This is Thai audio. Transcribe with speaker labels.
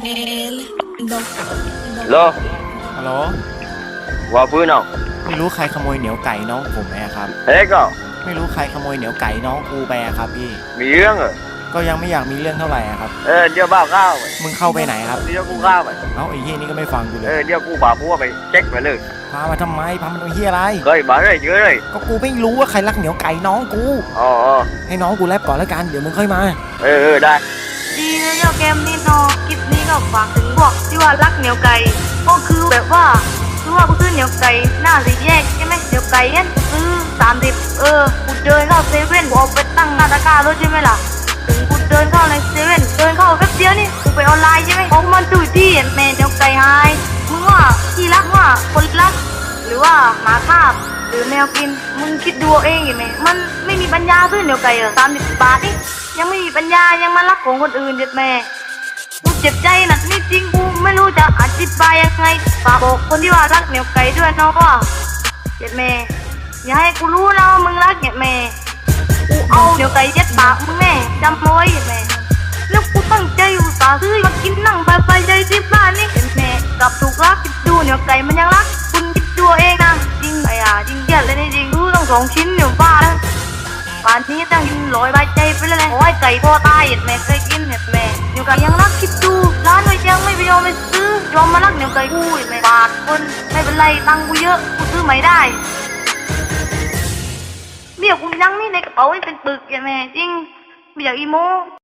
Speaker 1: โล
Speaker 2: ฮัลโหล
Speaker 1: ว่าพื้นเอา
Speaker 2: ไม่รู้ใครขโมยเหนียวไก่น้องผมไหมครับ
Speaker 1: เฮ้ยก็
Speaker 2: ไม่รู้ใครขโมยเหนียวไก่น้องกูไปครับพี่
Speaker 1: มีเรื่องเหรอ
Speaker 2: ก็ยังไม่อยากมีเรื่องเท่าไหร่ครับ
Speaker 1: เดี๋ยวบ้าข้าวไป
Speaker 2: มึงเข้าไปไหนครับ
Speaker 1: เดี๋ยวกูข้าวไป
Speaker 2: เอ้าไอ้เฮียนี่ก็ไม่ฟังกูเลย
Speaker 1: เดี๋ยวกูบ่าพัวไปเช็คไปเลย
Speaker 2: พามาทำไมพามันเอาเฮียอะไร
Speaker 1: เคยมาเลยเยอะเลย
Speaker 2: ก็กูไม่รู้ว่าใครรักเหนียวไก่น้องกู
Speaker 1: อ๋อ
Speaker 2: ให้น้องกูแลบก่อนแล้วกันเดี๋ยวมึงค่อยมา
Speaker 1: ได้
Speaker 3: ดีนะเจ้าเกมนี้นอคลิปนี้ก็ฝากถึงพวกที่ว่ารักเหนียวไก่ก็คือแบบว่าคือว่ากูซื้อเหนียวไก่หน้าสี่แยกใช่ไหมเหนียวไก่เนี่ยซื้อ30กูเดินเข้าเซเว่นกูเอาไปตั้งหน้าตะกร้ารถใช่ไหมล่ะถึงกูเดินเข้าในเซเว่นเดินเข้าแป๊บเดียวนี่กูไปออนไลน์ใช่ไหมของมันดูที่แม่เหนียวไก่หายมึงว่าที่รักว่าคนรักหรือว่าหมาคาบหรือแมวกินมึงคิดดูเองเห็นไหมมันไม่มีปัญญาซื้อเหนียวไก่30 บาทนี่ยังไม่มีปัญญายังมารักของคนอื่นเด็ดแม่กูเจ็บใจนะนี่จริงกูไม่รู้จะอธิบายยังไงฝากบอกคนที่ว่ารักเหนียวไก่ด้วยน้องว่าเด็ดแม่อย่าให้กูรู้นะว่ามึงรักเด็ดแม่กูเอาเหนียวไก่ยัดปากมึงแม่จำเอาไว้เด็ดแม่แล้วกูตั้งใจอุตส่าห์ซื้อมากินนั่งไปใจที่บ้านนี่เด็ดแม่กลับถูกรักคิดดูเหนียวไก่มันยังรักคุณคิดดูเองนะจริงไอ้จริงเย็ดเลยนี่จริงรู้ต้อง2 ชิ้นเดี๋ยวบ้าแล้วป่านนี้ตั้งกิน100 ใบใจไปแล้วแหละโอ้ยไก่พอตายเห็ดแม่เคยกินเห็ดแม่เดี๋ยวไก่ยังรักคิดดูร้านไว้ยังไม่ไปยอมไปซื้อยอมมารักเดี๋ยวไก่กูเห็ดแม่บาทคนไม่เป็นไรตังกูเยอะกูซื้อใหม่ได้เบี้ยกูยังนี่ในกระเป๋าไม่เป็นปึกเห็ดแม่จริงไม่อยากอีโม